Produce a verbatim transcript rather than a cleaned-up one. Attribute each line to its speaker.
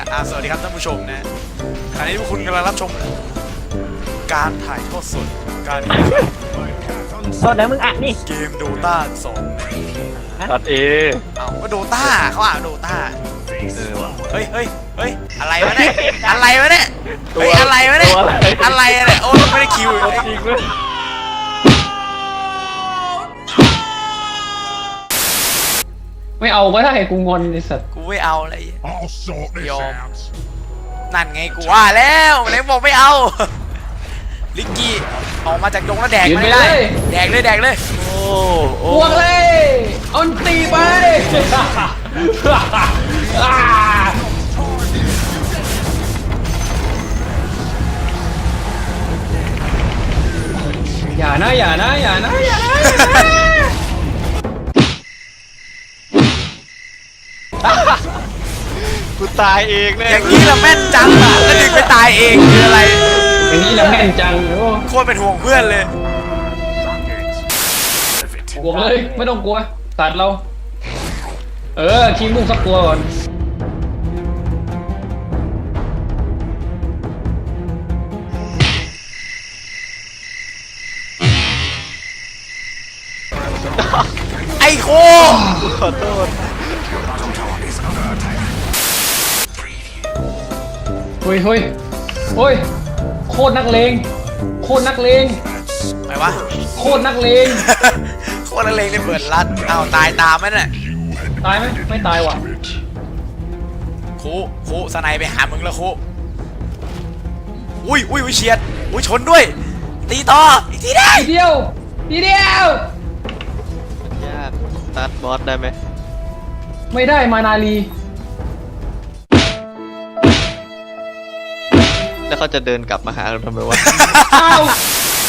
Speaker 1: อ่าสวัสดีครับท่านผู้ชมนะขณะนี้พวกคุณกำลังรับชมการถ่ายทอดสดการแข่งขัน
Speaker 2: โทษนะมึงอ่ะนี่
Speaker 1: เกมโดตาสอง
Speaker 3: ตัดเอ
Speaker 1: เอ้าก็โดตาเขาอ่านโดตา
Speaker 3: เออว่ะ
Speaker 1: เฮ้ยเฮ้ยเฮ้ยอะไรวะเนี่ยอะไรวะเนี่ย
Speaker 3: ตัว
Speaker 1: เฮ้ยอะไรวะเนี่ย
Speaker 3: ตัวอะไร
Speaker 1: อะไรเนี่ยโอ้ยไม่ได้คิวเลย
Speaker 3: จริงเลย
Speaker 2: ไม่เอาก็ได้กูงอนไอ้สัตว์
Speaker 1: กูไม่เอาอะไร
Speaker 4: I'll sort this
Speaker 1: Yo.
Speaker 4: out.
Speaker 1: นั่นไงกูว่าแล้วไหนบอกไม่เอาลิกกี้ออกมาจากดงแล้วแดก
Speaker 2: ยืน
Speaker 1: มัน
Speaker 2: ไป
Speaker 1: ได้
Speaker 2: เลย
Speaker 1: แดกเลยแดกเลย
Speaker 3: โอ้โอ้
Speaker 2: บวกเลยเอันตีไปอ่าอย่านะอย่านะอย่านะอย่านะอย่านะ
Speaker 3: กูตายเองแน่
Speaker 1: อย่างนี้ละแม่นจังอะแล้วดึงไปตายเองคืออะไร
Speaker 2: อย่างนี้ละแม่นจังโอ้
Speaker 1: โคตรเป็นห่วงเพื่อนเลย
Speaker 2: บวกเลยไม่ต้องกลัวตัดเรา เออทีมมุ่งสักตัวก่อน
Speaker 1: ไอ้โค
Speaker 3: ขอโทษ
Speaker 2: เฮ้ยเฮ้ยเฮ้ยโคตรนักเลงโคตรนักเลง
Speaker 1: ไหนวะ
Speaker 2: โคตรนักเลง
Speaker 1: โคตรนักเลงเลยเปิดรัดอ้าวตายตามไหมเนี่ย
Speaker 2: ตายไหมไม่ตายว่ะ
Speaker 1: คูคูสไนไปหามึงแล้วคูอุ้ยอุ้ยอุ้ยเฉียดอุ้ยชนด้วย ตีต่ออีกทีได้
Speaker 2: ทีเดียวทีเดียว
Speaker 3: ยากตัดบอสได้ไหม
Speaker 2: ไม่ได้มานาลี
Speaker 3: แล้วเขาจะเดินกลับมาหาเราทำไมวะ
Speaker 2: อ้าว